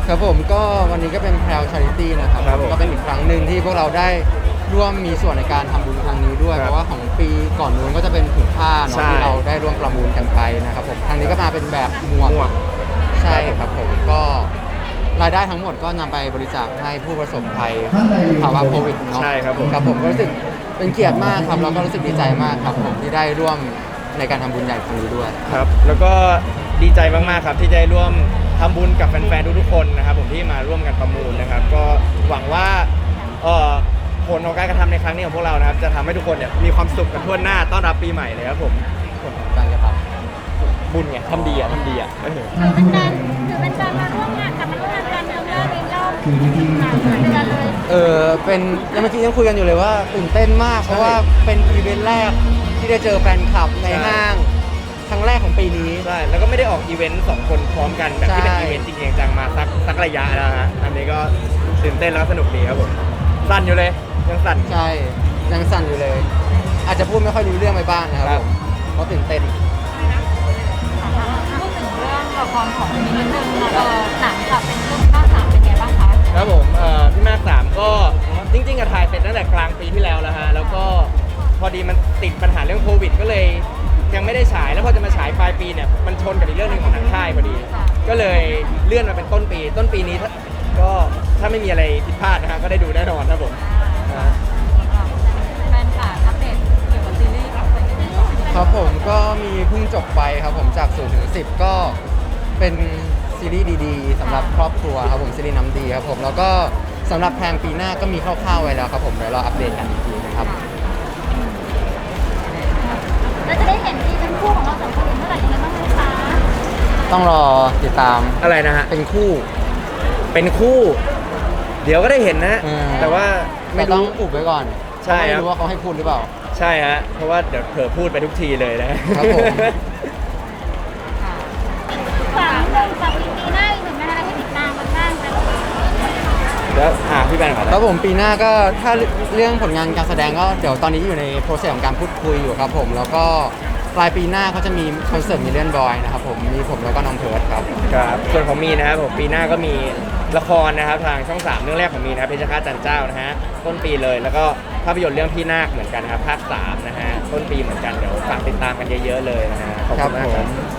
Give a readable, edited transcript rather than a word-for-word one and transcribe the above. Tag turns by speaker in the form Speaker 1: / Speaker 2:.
Speaker 1: ครับผมก็วันนี้ก็เป็นแพลวชาริตี้นะครับ
Speaker 2: ครับผม
Speaker 1: ก็เป็นอีกครั้งหนึ่งที่พวกเราได้ร่วมมีส่วนในการทำบุญครั้งนี้ด้วย
Speaker 2: ครับ
Speaker 1: เพราะว่าของปีก่อนนู้นก็จะเป็นถุงผ้าเนาะ
Speaker 2: ใช่
Speaker 1: ที่เราได้ร่วมประมูลกันไปนะครับผมครั้งนี้ก็มาเป็นแบบหมวก
Speaker 2: หมวก
Speaker 1: ใช่ครับผมก็รายได้ทั้งหมดก็นำไปบริจาคให้ผู้ประสบภัยภาวะโควิดเนาะ
Speaker 2: ใช่ครับผม
Speaker 1: ครับผมก็รู้สึกเป็นเกียรติมากครับแล้วก็รู้สึกดีใจมากครับผมที่ได้ร่วมในการทำบุญใหญ่ครั้งนี้ด้วย
Speaker 2: ครับแล้วก็ดีใจมากๆครับที่ได้ร่วมทำบุญกับแฟนๆทุกๆคนนะครับผมที่มาร่วมกันประมูลนะครับ ก็หวังว่าผลของการกระทำในครั้งนี้ของพวกเรานะครับจะทำให้ทุกคนเนี่ยมีความสุขกันทั่วหน้าต้อนรับปีใหม่เลยครับผม
Speaker 1: ผลของการกระทำ
Speaker 2: บุญไงทำดีอ่ะ
Speaker 3: ถือเป็นการมาร่วมงานกับมาร่วมงานกันเดิมเลยในรอบเหมือนกันเลย
Speaker 1: เป็นยังเมื่อกี้ยังคุยกันอยู่เลยว่าตื่นเต้นมาก เพราะว่าเป็นอีเวนต์แรกที่ได้เจอแฟนคลับในห้างครั้งแรกของปีนี้
Speaker 2: ใช่แล้วก็ไม่ได้ออกอีเวนต์2คนพร้อมกันแบบที่เป็น
Speaker 1: ใช่
Speaker 2: อีเวนต์จริงๆจังมาสักระยะแล้วฮะอันนี้ก็ตื่นเต้นแล้วก็สนุกดีครับผมสั่นอยู่เลยยังสั่น
Speaker 1: ใช่ยังสั่นอยู่เลย อาจจะพูดไม่ค่อยรู้เรื่องไปบ้างนะครับ
Speaker 2: ครับ
Speaker 1: ผมเพราะตื่นเต้น
Speaker 3: พูดถึงเรื่องละครของมีนิดนึงหนังกับเป็นเรื่องข้าวสามเป็นไงบ้างคะ
Speaker 2: ครับผมพี่มากสามก็จริงๆอะถ่ายเสร็จตั้งแต่กลางปีที่แล้วฮะแล้วก็พอดีมันติดปัญหาเรื่องโควิดก็เลยยังไม่ได้ฉายแล้วพอจะมาฉายปลายปีเนี่ยมันชนกับอีกเรื่องหนึ่งของทางค่ายพอดี ก็เลยเลื่อนมาเป็นต้นปีนี้ก็ถ้าไม่มีอะไรผิดพลาดนะฮะก็ได้ดูแน่นอนครับผม
Speaker 3: แฟนค่ะอัปเดตเกี่ยวกับซีรีส์กับเป็นยังไงบ้าง
Speaker 1: ครับผมก็มีเพิ่งจบไปครับผมจาก0ถึง10 ก็เป็นซีรีส์ดีๆสำหรับครอบครัวครับผมซีรีส์น้ำดีครับผมแล้วก็สำหรับแพลนปีหน้าก็มีคร่าวๆไว้แล้วครับผมเดี๋ยวเราอัปเดตกันอีกทีนะครับ
Speaker 3: แล้วจะได้เห็นที่เป็นคู่ของเราสองคนเมื่อไหร่ยังไงบ้างไหมคะ
Speaker 1: ต้องรอติดตาม
Speaker 2: อะไรนะฮะ
Speaker 1: เป็นคู่
Speaker 2: เป็นคู่ เดี๋ยวก็ได้เห็นนะฮะ
Speaker 1: อืม
Speaker 2: แต่ว่า
Speaker 1: ไม่
Speaker 2: ไม่
Speaker 1: ต้อง
Speaker 2: รู้
Speaker 1: อุบไว้ก่อน
Speaker 2: ใช่
Speaker 1: เพราะ
Speaker 2: ครั
Speaker 1: ไม่
Speaker 2: บ
Speaker 1: รู้ว่าเขาให้พูดหรือเปล่า
Speaker 2: ใช่ฮะเพราะว่าเดี๋ยวเผลอพูดไปทุกทีเลยนะครับ
Speaker 1: ผม
Speaker 3: ฝากนิดนึงฝากปีหน้าอีกหนึ่งนะคะให้ติดตามกันบ้างค่ะ
Speaker 2: แล้วพี่แบนก่อน
Speaker 1: ครับผมปีหน้าก็ถ้าเรื่องผลงานการแสดงก็เดี๋ยวตอนนี้อยู่ในโปรเซสของการพูดคุยอยู่ครับผมแล้วก็ปลายปีหน้าเขาจะมีคอนเสิร์ตมิลเลียนบอยนะครับผมมีผมแล้วก็น้องเพิร์ดครับ
Speaker 2: ครับส่วนของมีนะครับผมปีหน้าก็มีละครนะครับทางช่อง 3 เรื่องแรกของมีนะครับเพชรฆาตจันเจ้านะฮะต้นปีเลยแล้วก็ภาพยนตร์เรื่องพี่นาคเหมือนกันนะครับภาค 3นะฮะต้นปีเหมือนกันเดี๋ยวฝากติดตามกันเยอะๆเลยนะฮะขอบคุณมากครับ